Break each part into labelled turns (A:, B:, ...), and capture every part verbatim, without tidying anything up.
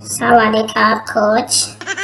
A: สวัสดีครับโค้ช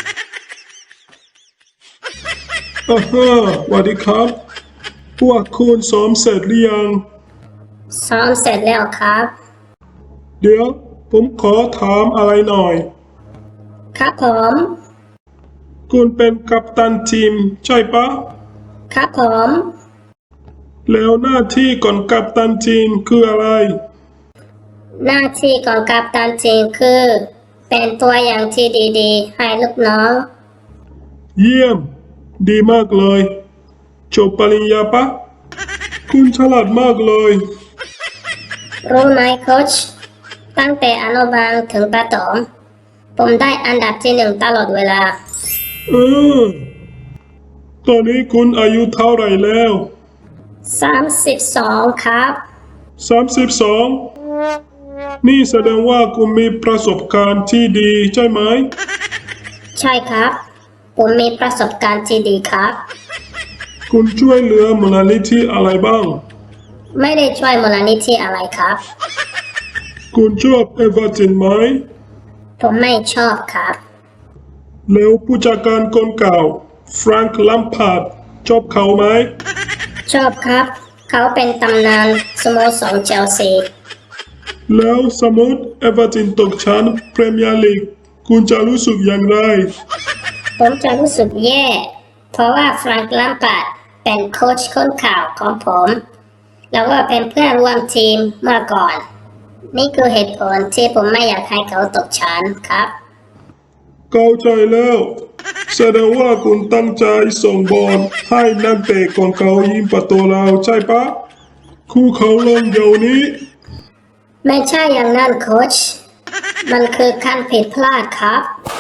B: อ่าฮะสวัสดีครับ พวกคุณซ้อมเสร็จหรือยัง
A: ซ้อมเสร็จแล้วครับ
B: เดี๋ยวผมขอถามอะไรหน่อย
A: ครับผม
B: คุณเป็นกัปตันทีมใช่ปะ
A: ครับผม
B: แล้วหน้าที่ก่อนกัปตันทีมคืออะไร
A: หน้าที่ของกัปตันทีมคือ เป็นตัวอย่างที่ดีๆให้ลูกน้อง
B: เยี่ยม ดีมากเลย จบปริญญาปะ คุณฉลาดมากเลย
A: รู้ไหมโค้ชตั้งแต่อนุบาลถึงประถมผมได้อันดับที่หนึ่งตลอดเวลา
B: เออ ตอนนี้คุณอายุเท่าไหร่แล้ว
A: สามสิบสองครับ
B: สามสิบสองนี่แสดงว่าคุณมีประสบการณ์ที่ดีใช่ไหม
A: ใช่ครับ ผมมีประสบการณ์ที่ดีครับ
B: คุณช่วยเหลือมูลนิธิอะไรบ้าง
A: ไม่ได้ช่วยมูลนิธิอะไรครับ
B: คุณชอบเอเวอร์ตันไหม
A: ผมไม่ชอบครับ
B: แล้วผู้จัดการคนเก่าแฟรงค์ลัมพาร์ดชอบเขาไหม
A: ชอบครับ เขาเป็นตำนานสโมสรเชลซี
B: แล้วสมมติเอเวอร์ตันตกชั้นพรีเมียร์ลีกคุณจะรู้สึกอย่างไร
A: ผมจะรู้สึกแย่ เพราะว่าแฟรงค์ลัมพาร์ดเป็นโค้ชคนข่าวของผม แล้วก็เป็นเพื่อนร่วมทีมเมื่อก่อน นี่คือเหตุผลที่ผมไม่อยากให้เขาตกชั้นครับ
B: เข้าใจแล้ว แสดงว่าคุณตั้งใจส่งบอลให้นักเตะของเขายิงประตูเราใช่ปะคู่เขาลงเดี๋ยวนี้
A: ไม่ใช่อย่างนั้นโค้ชมันคือการผิดพลาดครับ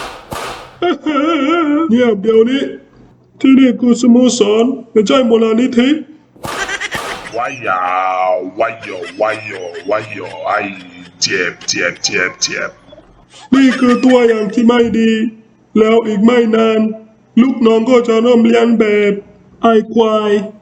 B: เงียบเดี๋ยวนี้ ที่นี่คือสโมสรไม่ใช่มูลนิธิ
C: ว้ายาวว้ายอว้ายอว้ายอไอเจ็บเจ็บเจ็บเจ็บ
B: นี่คือตัวอย่างที่ไม่ดี แล้วอีกไม่นาน ลูกน้องก็จะเริ่มเลียนแบบไอ้ควาย